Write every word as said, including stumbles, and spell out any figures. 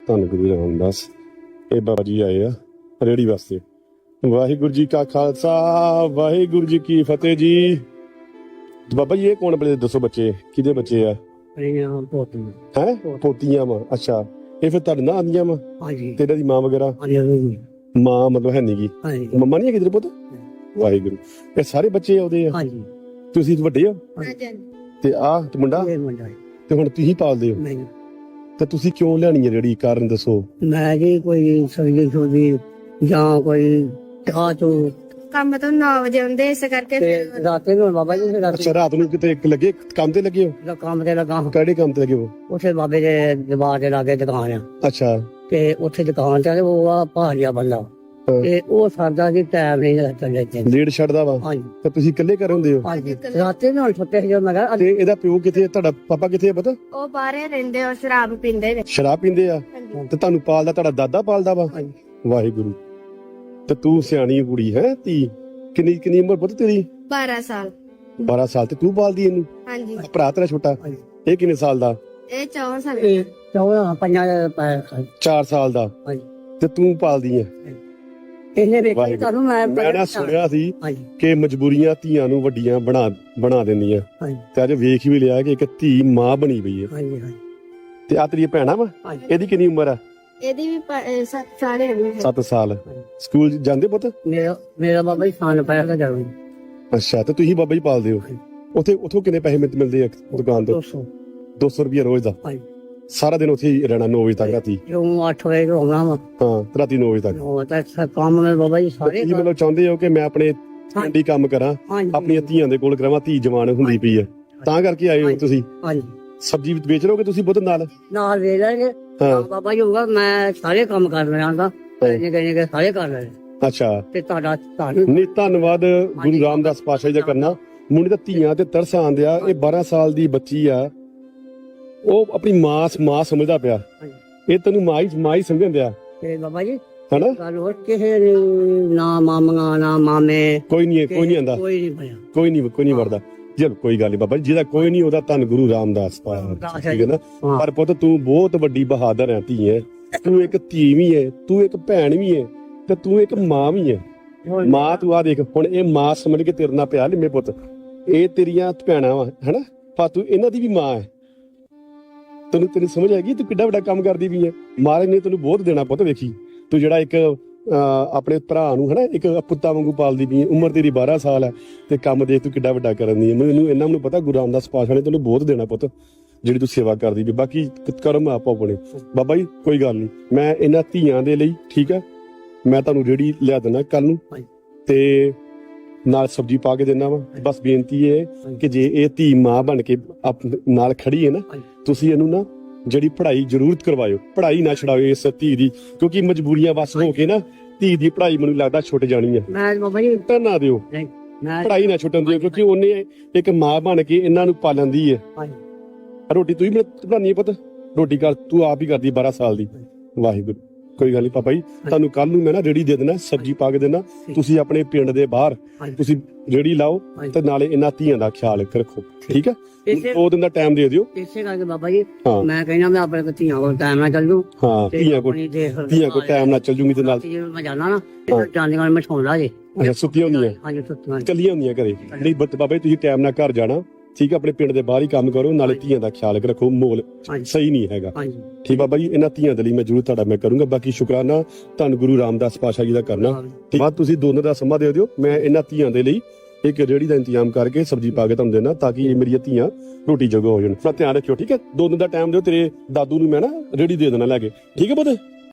ਧੰਨ ਗੁਰੂ ਰਾਮਦਾਸ। ਇਹ ਬਾਬਾ ਜੀ ਆਏ ਆ ਰੇੜੀ ਵਾਸਤੇ। ਵਾਹਿਗੁਰੂ ਜੀ ਕਾ ਖਾਲਸਾ ਵਾਹਿਗੁਰੂ ਜੀ ਕੀ ਫਤਿਹ ਜੀ। ਬਾਬਾ ਜੀ ਇਹ ਕੌਣ ਬਲੇ ਦੱਸੋ, ਬੱਚੇ ਕਿਹਦੇ ਬੱਚੇ ਆ? ਹੈ ਪੋਤੀਆਂ ਵਾ। ਅੱਛਾ, ਇਹ ਫਿਰ ਤੁਹਾਡੇ ਨਾਲ ਆਉਂਦੀਆਂ ਵਾ? ਹਾਂਜੀ। ਤੇਰਾ ਦੀ ਮਾਂ ਵਗੈਰਾ? ਹਾਂਜੀ। ਮਾਂ ਮਤਲਬ ਹੈ ਨੀ ਗੀ? ਹਾਂਜੀ। ਮੰਮਾ ਨਹੀਂ ਹੈ ਕਿਧਰ ਪੁੱਤ? ਵਾਹਿਗੁਰੂ। ਇਹ ਸਾਰੇ ਬੱਚੇ ਆਉਂਦੇ ਆ? ਹਾਂਜੀ। ਤੁਸੀਂ ਵੱਡੇ ਹੋ ਤੇ ਆਹ ਤੇ ਮੁੰਡਾ ਇਹ ਮੁੰਡਾ ਤੇ ਹੁਣ ਤੁਸੀਂ ਪਾਲਦੇ ਹੋ? ਨਹੀਂ। ਤੇ ਤੁਸੀਂ ਕਿਉਂ ਲਿਆਣੀ ਹੈ ਰੇੜੀ, ਕਾਰਨ ਦੱਸੋ? ਮੈਂ ਜੀ ਕੋਈ ਸਬਜ਼ੀ ਸੁਬਜ਼ੀ ਜਾਂ ਕੋਈ ਚਾਹ ਚੋ ਕੰਮ ਤੋਂ ਨੌ ਵਜੇ ਆਉਂਦੇ, ਇਸ ਕਰਕੇ ਤੇ ਰਾਤੇ ਨੂੰ ਬਾਬਾ ਜੀ ਰਾਤੀ ਅੱਛਾ, ਰਾਤ ਨੂੰ ਕਿਤੇ ਲੱਗੇ ਕੰਮ ਤੇ ਲੱਗੇ ਹੋ? ਦਾ ਕੰਮ ਤੇ ਲੱਗਾ। ਕਿਹੜੇ ਕੰਮ ਤੇ ਲੱਗੇ ਹੋ? ਉੱਥੇ ਬਾਬੇ ਦੇ ਦਰਬਾਰ ਦੇ ਲਾਗੇ ਦੁਕਾਨ ਆ। ਅੱਛਾ। ਤੇ ਉੱਥੇ ਦੁਕਾਨ ਤੇ ਉਹ ਆ ਭਾਰੀਆ ਬੰਦਾ ਹਾਂ। ਤੇ ਉਹ ਸਾਡਾ ਜੀ ਟਾਈਮ ਨਹੀਂ ਚੱਲੇ ਤੇ ਲੇਟ ਛੱਡਦਾ ਵਾ? ਹਾਂਜੀ। ਤੇ ਤੁਸੀਂ ਇਕੱਲੇ ਘਰ ਹੁੰਦੇ ਹੋ? ਹਾਂਜੀ। ਰਾਤੇ ਨਾਲ ਛੁੱਟੇ ਸੀ ਜਦੋਂ ਮੈਂ ਕਿਹਾ ਤੇ ਇਹਦਾ ਪਿਓ ਕਿੱਥੇ, ਤੁਹਾਡਾ ਪਾਪਾ ਕਿੱਥੇ ਆ ਪਤਾ? ਉਹ ਬਾਹਰੇ ਰਹਿੰਦੇ ਔਰ ਸ਼ਰਾਬ ਪੀਂਦੇ ਨੇ। ਸ਼ਰਾਬ ਪੀਂਦੇ ਆ? ਹਾਂਜੀ। ਤੇ ਤੁਹਾਨੂੰ ਪਾਲਦਾ ਤੁਹਾਡਾ ਦਾਦਾ ਪਾਲਦਾ ਵਾ? ਹਾਂਜੀ। ਵਾਹਿਗੁਰੂ। ਤੇ ਤੂੰ ਸਿਆਣੀ ਕੁੜੀ ਹੈ ਧੀ। ਕਿੰਨੀ ਕਿੰਨੀ ਉਮਰ ਪੁੱਤ ਤੇਰੀ? ਬਾਰਾਂ ਸਾਲ। ਬਾਰਾਂ ਸਾਲ। ਤੇ ਤੂੰ ਪਾਲਦੀ ਇਹਨੂੰ? ਹਾਂਜੀ। ਭਰਾ ਤੇਰਾ ਛੋਟਾ ਹਾਂਜੀ। ਇਹ ਕਿੰਨੇ ਸਾਲ ਦਾ? ਇਹ ਚੌਦਾਂ ਸਾਲ। ਇਹ ਚੌਦਾਂ ਪੰਜਾਂ ਦੇ ਪੈਰ ਖਾਏ। ਚਾਰ ਸਾਲ ਦਾ। ਹਾਂਜੀ। ਤੇ ਤੂੰ ਪਾਲਦੀ ਹੈ? ਇਹਨੇ ਵੇਖਿਆ ਵਾਹਿਗੁਰੂ। ਤੁਹਾਨੂੰ ਮੈਂ ਮੈਂ ਨਾ ਸੁਣਿਆ ਸੀ ਹਾਂਜੀ। ਕਿ ਮਜਬੂਰੀਆਂ ਧੀਆਂ ਨੂੰ ਵੱਡੀਆਂ ਬਣਾ ਬਣਾ ਦਿੰਦੀਆਂ, ਹਾਂਜੀ। ਤੇ ਅੱਜ ਵੇਖ ਵੀ ਲਿਆ ਕਿ ਇੱਕ ਧੀ ਮਾਂ ਬਣੀ ਪਈ ਹੈ। ਹਾਂਜੀ। ਹਾਂਜੀ। ਤੇ ਆ ਤੇਰੀ ਭੈਣਾ ਵਾ? ਹਾਂਜੀ। ਇਹਦੀ ਕਿੰਨੀ ਉਮਰ ਆ? ਇਹਦੀ ਵੀ ਪ- ਅਹ ਸੱਤ ਸਾਲ ਹੈਗੇ। ਸੱਤ ਸਾਲ। ਸਕੂਲ ਜਾਂਦੇ ਪੁੱਤ? ਮੇਰਾ ਮੇਰਾ ਬਾਬਾ ਜੀ ਖਾਣ ਪੈਰ ਦਾ ਜਾਊਂ। ਅੱਛਾ। ਤੇ ਤੁਸੀਂ ਬਾਬਾ ਜੀ ਪਾਲਦੇ ਹੋ? ਉੱਥੇ ਉਥੋਂ ਕਿੰਨੇ ਪੈਸੇ ਮਿਲ- ਮਿਲਦੇ ਆ ਦੁਕਾਨ ਤੋਂ? ਦੋ ਸੌ। ਦੋ ਸੌ ਰੁਪਏ ਰੋਜ਼ ਦਾ? ਹਾਂਜੀ। ਸਾਰਾ ਦਿਨ ਉੱਥੇ ਹੀ ਰਹਿਣਾ ਨੌ ਵਜੇ ਤੱਕ ਰਾਤੀ? ਜੋ ਅੱਠ ਵਜੇ ਤੋਂ ਆਉਣਾ ਵਾ ਹਾਂ, ਤੇ ਰਾਤੀ ਨੌ ਵਜੇ ਤੱਕ? ਉਹ ਤਾਂ ਸਭ ਕੰਮ ਮੇਰੇ ਬਾਬਾ ਜੀ ਸਾਰੇ ਤੁਸੀਂ ਮਤਲਬ ਚਾਹੁੰਦੇ ਹੋ ਕਿ ਮੈਂ ਆਪਣੇ ਪਿੰਡੀ ਕੰਮ ਕਰਾਂ, ਹਾਂਜੀ। ਆਪਣੀਆਂ ਧੀਆਂ ਦੇ ਕੋਲ ਕਰਾਵਾਂ, ਧੀ ਜਵਾਨ ਹੁੰਦੀ ਪਈ ਹੈ ਤਾਂ ਕਰਕੇ ਆਏ ਹੋ ਤੁਸੀਂ? ਹਾਂਜੀ। ਸਬਜ਼ੀ ਵੇਚ ਲਓਗੇ ਤੁਸੀਂ ਬੁੱਧ ਨਾਲ? ਨਾਲ ਵੇਚ ਲਾਂਗੇ। ਹਾਂ। ਬਾਬਾ ਜੀ ਹੋਊਗਾ ਮੈਂ ਸਾਰੇ ਕੰਮ ਕਰ ਰਿਹਾ ਹਾਂ। ਨਿੱਕੇ ਨਿੱਕੇ ਸਾਰੇ ਕਰ ਰਹੇ ਅੱਛਾ। ਤੇ ਤੁਹਾਡਾ ਤੁਹਾਨੂੰ ਨਹੀਂ, ਧੰਨਵਾਦ ਗੁਰੂ ਰਾਮਦਾਸ ਪਾਤਸ਼ਾਹ ਜੀ ਦਾ ਕਰਨਾ। ਮੁੰਡੇ ਦਾ ਧੀਆਂ ਤੇ ਤਰਸ ਆਂਦਿਆ। ਇਹ ਬਾਰਾਂ ਸਾਲ ਦੀ ਬੱਚੀ ਆ, ਉਹ ਆਪਣੀ ਮਾਂ ਮਾਂ ਸਮਝਦਾ ਪਿਆ। ਇਹ ਤੈਨੂੰ ਮਾਂ ਹੀ ਮਾਂ ਹੀ ਸਮਝਣ ਦਿਆ ਤੇ ਬਾਬਾ ਜੀ ਹਨਾ? ਗੱਲ ਹੋਰ ਕਿਸੇ ਨੇ ਨਾ ਮਾਮਾ ਨਾ ਮਾਮੇ ਕੋਈ ਨਹੀਂ ਕੋਈ ਨਹੀਂ ਆਂਦਾ, ਕੋਈ ਨਹੀਂ ਪਿਆ। ਕੋਈ ਨਹੀਂ ਕੋਈ ਨਹੀਂ ਵਰਦਾ। ਚਲ ਕੋਈ ਗੱਲ ਨਹੀਂ ਬਾਬਾ ਜੀ, ਜਿਹਦਾ ਕੋਈ ਨਹੀਂ ਉਹਦਾ ਧੰਨ ਗੁਰੂ ਰਾਮਦਾਸ ਪਾਤਸ਼ਾਹ, ਠੀਕ ਹੈ ਨਾ? ਹਾਂ। ਪਰ ਪੁੱਤ ਤੂੰ ਬਹੁਤ ਵੱਡੀ ਬਹਾਦਰ ਹੈ, ਧੀ ਹੈ ਤੂੰ, ਇੱਕ ਧੀ ਵੀ ਹੈ, ਤੂੰ ਇੱਕ ਭੈਣ ਵੀ ਹੈ, ਤੇ ਤੂੰ ਇੱਕ ਮਾਂ ਵੀ ਹੈ। ਮਾਂ ਤੂੰ ਆ ਦੇਖ ਹੁਣ, ਇਹ ਮਾਂ ਸਮਝ ਕੇ ਤੇਰੇ ਨਾਲ ਪਿਆ ਲਿਮੇ ਪੁੱਤ। ਇਹ ਤੇਰੀਆਂ ਭੈਣਾਂ ਵਾ ਹਨਾ, ਪਰ ਤੂੰ ਇਹਨਾਂ ਦੀ ਵੀ ਮਾਂ ਹੈ। ਤੈਨੂੰ ਤੇਰੀ ਸਮਝ ਆਏਗੀ ਤੂੰ ਕਿੱਡਾ ਵੱਡਾ ਕੰਮ ਕਰਦੀ ਵੀ ਹੈ। ਮਹਾਰਾਜ ਨੇ ਤੈਨੂੰ ਬਹੁਤ ਦੇਣਾ ਪੁੱਤ। ਵੇਖੀ ਤੂੰ ਜਿਹੜਾ ਇੱਕ ਆਪਣੇ ਭਰਾ ਨੂੰ ਹਨਾ ਇੱਕ ਪੁੱਤਾਂ ਵਾਂਗੂ ਪਾਲਦੀ ਪਈ ਹੈ। ਉਮਰ ਤੇਰੀ ਬਾਰਾਂ ਸਾਲ ਹੈ ਤੇ ਕੰਮ ਦੇਖ ਤੂੰ ਕਿੱਡਾ ਵੱਡਾ ਕਰਨ ਦੀ ਹੈ। ਮੈਨੂੰ ਇਹਨਾਂ ਨੂੰ ਪਤਾ ਗੁਰੂ ਰਾਮਦਾਸ ਪਾਤਸ਼ਾਹ ਨੇ ਤੈਨੂੰ ਬਹੁਤ ਦੇਣਾ ਪੁੱਤ, ਜਿਹੜੀ ਤੂੰ ਸੇਵਾ ਕਰਦੀ ਵੀ। ਬਾਕੀ ਕਰਮ ਆਪੋ ਆਪਣੇ। ਬਾਬਾ ਜੀ ਕੋਈ ਗੱਲ ਨਹੀਂ, ਮੈਂ ਇਹਨਾਂ ਧੀਆਂ ਦੇ ਲਈ ਠੀਕ ਹੈ, ਮੈਂ ਤੁਹਾਨੂੰ ਰੇੜੀ ਲਿਆ ਦੇਣਾ ਕੱਲ ਨੂੰ, ਤੇ ਨਾਲ ਸਬਜ਼ੀ ਪਾ ਕੇ ਦੇਣਾ ਵਾ। ਬਸ ਬੇਨਤੀ ਹੈ ਕਿ ਜੇ ਇਹ ਧੀ ਮਾਂ ਬਣ ਕੇ ਨਾਲ ਖੜੀ ਹੈ ਨਾ, ਤੁਸੀਂ ਇਹਨੂੰ ਨਾ ਜਿਹੜੀ ਪੜ੍ਹਾਈ ਜ਼ਰੂਰ ਕਰਵਾਇਓ। ਪੜ੍ਹਾਈ ਨਾ ਛਡਾਓ ਇਸ ਧੀ ਦੀ, ਕਿਉਂਕਿ ਮਜਬੂਰੀਆਂ ਵਸ ਹੋ ਕੇ ਨਾ ਧੀ ਦੀ ਪੜ੍ਹਾਈ ਮੈਨੂੰ ਲੱਗਦਾ ਛੁੱਟ ਜਾਣੀ ਹੈ। ਮੈਂ ਬਾਬਾ ਜੀ ਤਾਂ ਨਾ ਦਿਓ, ਨਹੀਂ ਮੈਂ ਪੜ੍ਹਾਈ ਨਾ ਛੁੱਟਣ ਦਿਓ, ਕਿਉਂਕਿ ਉਹਨੇ ਇੱਕ ਮਾਂ ਬਣ ਕੇ ਇਹਨਾਂ ਨੂੰ ਪਾਲਣ ਦੀ ਹੈ। ਰੋਟੀ ਤੂੰ ਹੀ ਬਣਾਉਣੀ ਹੈ ਪੁੱਤ, ਰੋਟੀ ਕਰ ਤੂੰ ਆਪ ਹੀ ਕਰਦੀ ਬਾਰਾਂ ਸਾਲ ਦੀ। ਵਾਹਿਗੁਰੂ। ਕੋਈ ਗੱਲ ਨਹੀਂ ਪਾਪਾ ਜੀ, ਤੁਹਾਨੂੰ ਕੱਲ ਨੂੰ ਮੈਂ ਨਾ ਰੇੜੀ ਦੇ ਦੇਣਾ, ਸਬਜ਼ੀ ਪਾ ਕੇ ਦੇਣਾ। ਤੁਸੀਂ ਆਪਣੇ ਪਿੰਡ ਦੇ ਬਾਹਰ ਤੁਸੀਂ ਰੇੜੀ ਲਾਓ ਤੇ ਨਾਲੇ ਇਹਨਾਂ ਧੀਆਂ ਦਾ ਖਿਆਲ ਰੱਖੋ, ਠੀਕ ਹੈ? ਦੋ ਦਿਨ ਦਾ ਟਾਈਮ ਦੇ ਦਿਓ। ਇਸੇ ਕਰਕੇ ਬਾਬਾ ਜੀ ਮੈਂ ਕਹਿੰਦਾ ਮੈਂ ਆਪਣੇ ਧੀਆਂ ਕੋਲ ਟਾਈਮ ਨਾਲ ਚੱਲ ਜੂ। ਹਾਂ, ਧੀਆਂ ਕੋਲ ਧੀਆਂ ਕੋਲ ਟਾਈਮ ਨਾਲ ਚੱਲ ਜੂਗੀ ਤੇ ਨਾਲ ਮੈਂ ਜਾਣਾ ਨਾ ਜਾਂਦੇ ਨਾਲ ਮੈਂ ਠਾਉਂਦਾ ਜੇ। ਅੱਛਾ, ਸੁੱਤੀਆਂ ਹੁੰਦੀਆਂ? ਹਾਂਜੀ, ਸੁੱਤੀਆਂ ਕੱਲੀਆਂ ਹੁੰਦੀਆਂ ਘਰੇ? ਨਹੀਂ ਬਾਬਾ ਜੀ, ਤੁਸੀਂ ਟਾਈਮ ਨਾਲ ਘਰ ਜਾਣਾ, ਠੀਕ ਹੈ? ਆਪਣੇ ਪਿੰਡ ਦੇ ਬਾਹਰ ਹੀ ਕੰਮ ਕਰੋ, ਨਾਲੇ ਧੀਆਂ ਦਾ ਖਿਆਲ ਰੱਖੋ। ਮੋਲ ਸਹੀ ਨਹੀਂ ਹੈਗਾ, ਠੀਕ ਬਾਬਾ ਜੀ? ਇਹਨਾਂ ਧੀਆਂ ਦੇ ਲਈ ਮੈਂ ਜ਼ਰੂਰ ਤੁਹਾਡਾ ਮੈਂ ਕਰੂੰਗਾ। ਬਾਕੀ ਸ਼ੁਕਰਾਨਾ ਧੰਨ ਗੁਰੂ ਰਾਮਦਾਸ ਪਾਤਸ਼ਾਹ ਜੀ ਦਾ ਕਰਨਾ। ਠੀਕ ਬਾਅਦ ਤੁਸੀਂ ਦੋ ਦਿਨ ਦਾ ਸਮਾਂ ਦੇ ਦਿਓ, ਮੈਂ ਇਹਨਾਂ ਧੀਆਂ ਦੇ ਲਈ ਇੱਕ ਰੇੜੀ ਦਾ ਇੰਤਜ਼ਾਮ ਕਰਕੇ ਸਬਜ਼ੀ ਪਾ ਕੇ ਤੁਹਾਨੂੰ ਦੇਣਾ, ਤਾਂ ਕਿ ਇਹ ਮੇਰੀਆਂ ਧੀਆਂ ਰੋਟੀ ਜੋਗਾ ਹੋ ਜਾਣ। ਆਪਣਾ ਧਿਆਨ ਰੱਖਿਓ, ਠੀਕ ਹੈ? ਦੋ ਦਿਨ ਦਾ ਟਾਈਮ ਦਿਓ, ਤੇਰੇ ਦਾਦੂ ਨੂੰ ਮੈਂ ਨਾ ਰੇੜੀ ਦੇ ਦੇਣਾ ਲੈ ਕੇ, ਠੀਕ ਹੈ ਪੁੱਤ?